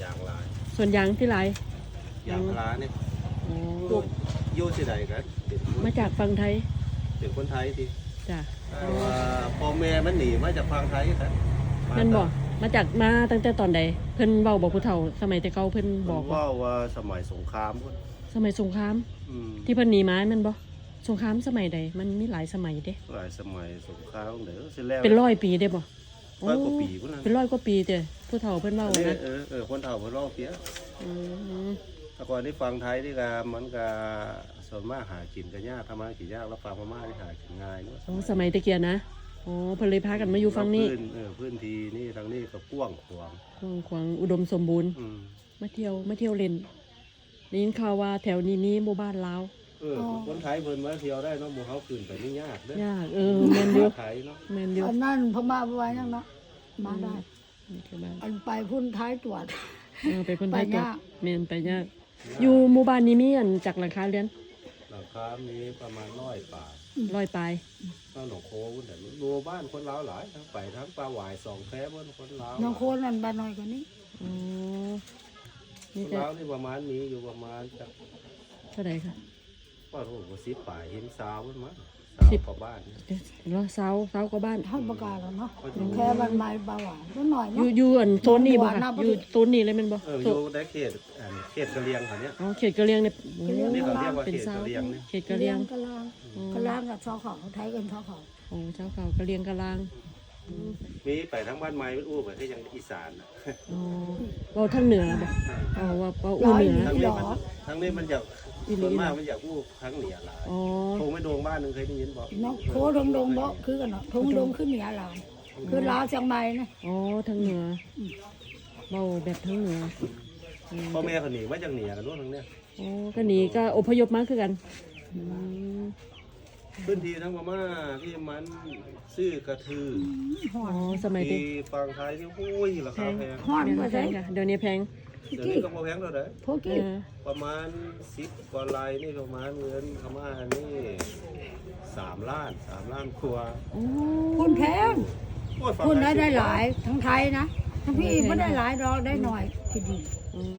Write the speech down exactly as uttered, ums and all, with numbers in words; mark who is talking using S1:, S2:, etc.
S1: ยางลาย
S2: ส่วนยางที่ไร
S1: ยางพาราเนี่ย
S2: อ๋อ
S1: พวกโยสิใดกันเป็น
S2: มาจากฝั่งไทย
S1: เป็นคนไทยที
S2: จ้ะ
S1: แต่ว่าพ่อแม่มันหนีมาจากฝั่งไทยครับ
S2: นั่นบอกมาจากมาตั้งแต่ตอนใดเพิ่นเว้าบอกผู้เฒ่าสมัยแต่เก่าเพิ่น
S1: บบ อ
S2: อก ก
S1: ว่าว่าสมัยสงครามพุ่น
S2: สมัยสงคราม
S1: อืม
S2: ที่เพิ่นหนีมาแม่นบ่สงครามสมัยใดมันมีหลายสมัยเด้
S1: หลายสมัยสงครามเดี๋ยวสิแล้ว
S2: เป็นร้อยปีได้บ่
S1: ร้อยกว่าปีพุ่นนะ
S2: เป็นร้อยกว่าปีเด้ผู้เฒ่าเพิ่นเว้า
S1: อันนี้
S2: นะ
S1: เออเออคนเฒ่าเพิ่นเล่าเปีย
S2: อืม
S1: แต่ก่อนที่ฟังไทยนี่ก็มันก็ส่วนมากหากินกันยากทำมากินยากแล้วฟังพม่าที่หากินง่ายเนาะ
S2: อ๋อสมัยตะเกียนะอ๋อเพิ่นเลยพากันมาอยู่ฝั่งนี้
S1: พื้นเออพื้นที่นี่ทางนี้ก็กว้างขวาง
S2: กว้างขวางอุดมสมบูรณ์
S1: อืม
S2: มาเที่ยวมาเที่ยวเล่นได้ยินข่าวว่าแถวนี้มีหมู่บ้านลาว
S1: เออคนไทยเพิ่นมาเที่ยวได้เนาะหมู่เฮาขึ้นไปนี่ยากเด้อย
S2: ากเออแม่นอยู่
S1: ไทยเนาะ
S2: แม่นอยู่
S3: อันนั้นพม่าไปไว้นั่งเนาะมาได้
S2: เที่ยวบ้าน
S3: อันไปพุ่นท้ายตรวจ
S2: เออไปคนไทย
S3: ไป
S2: ตัวย
S3: าก
S2: แม่นไปยากอยู่หมู่บ้านนี้มีอันจากหลังคาเรือน
S1: หลังคามีประมาณร้อยป่า
S2: ร้อยปลาย
S1: น้าหนองโคพุ่นแต่รัวบ้านคนลาวหลายทั้งไปทั้งปลาหวายสองแพร่บนคนลาว
S3: น้องโคนนั่นบ้านน้อยกว่านี้
S2: อ๋อ
S1: ค
S2: นี่
S1: น
S2: จะ
S1: ลาวนี่ประมาณมีอยู่ประมาณจัก
S2: เท่าไหร่ค่ะ
S1: ว่าโอ้โหสิบป่าเห็นสาวมันมั้งสาวกว่าบ้านเนี่ย
S2: เดี๋ยวเราเสาเสากว่าบ้าน
S3: ท่านประกาศแล้วเนาะแค่บ้านไม้เบาหวานก็หน่อย
S2: อ
S3: เนาะ
S2: ยู่อยู่อันโซนนี้บ่ค่ะ
S3: หน้าประตู
S2: อยู่โซนนี้เลยแม่นบ่
S1: เอออ
S2: โซ
S1: ยู่
S2: น
S1: ในเขตอันเขตกะเหรียงเขาเนี่ย
S2: อ๋อเขตกะเหรียงเนี่ยโอ้
S1: นี่เขาเรียกว่า
S2: เป็น
S1: เขต
S2: เสาก
S1: ะเหรียงเนี่ย
S2: เขตกะเหรียง
S3: กะลางกะลางกับชาวเขาไทยกันชาวเขา
S2: โอ้เจ้าเก่ากะเหรียงกะลาง
S1: มีไปทั้งบ้านไม้เป็นอู้ไปที่ยังอีสานน่ะ
S2: อ๋อเว้าทางเหนือบ่อ๋อว่าเว้าอู้เหนือ
S1: ทั้งนี้มันทั้งนี้มันอยาก
S2: อีหลี
S1: ส่วนมากมันอยากอู้ทั้งเหนือหลาย
S2: อ๋อ
S1: โทงไม่โดงบ้านหนึงเคยได้ยินบอก
S3: น้องโคดงดงบ่คือกันเนาะทงดงขึ้นเหนือลาวคือลาวเชียงใหม่นะ
S2: อ๋อทางเหนือเว้าแบบทางเหนืออืม
S1: พ่อแม่เขาหนีมาจากเหนือกันนู่นทั้งเนี้ย
S2: อ๋อก็หนีก็อพยพมาคือกันอืม
S1: พื้นที่ทั้งพม่าที่มันซื้อกระทือ
S3: หอ
S2: อ๋อ
S3: ด
S2: สมัยที่
S1: ที่ฟังไทยนี่โอ้ยราคาแพง
S3: หอด
S2: แพง
S3: มา
S2: แพ
S3: ใช่
S2: งค่ะเดี๋ยวนี้แพง
S1: เดี๋ยวนี้ก็บ่แพงเท่าไหร่
S3: พวก
S2: เอ
S3: กี้
S2: อ
S1: ประมาณสิบกว่าลายนี่ประมาณเงินพม่านี่สามล้านสามล้านครัว
S2: โอ้
S3: คุณแพง
S1: โอ้ยฟัง
S3: คุณ
S1: ท
S3: ได้
S1: ย
S3: ได้หลายทั้งไทยนะทั้งพี่ไม่ได้หลายดอกได้หน่อยที่ดี
S2: อืม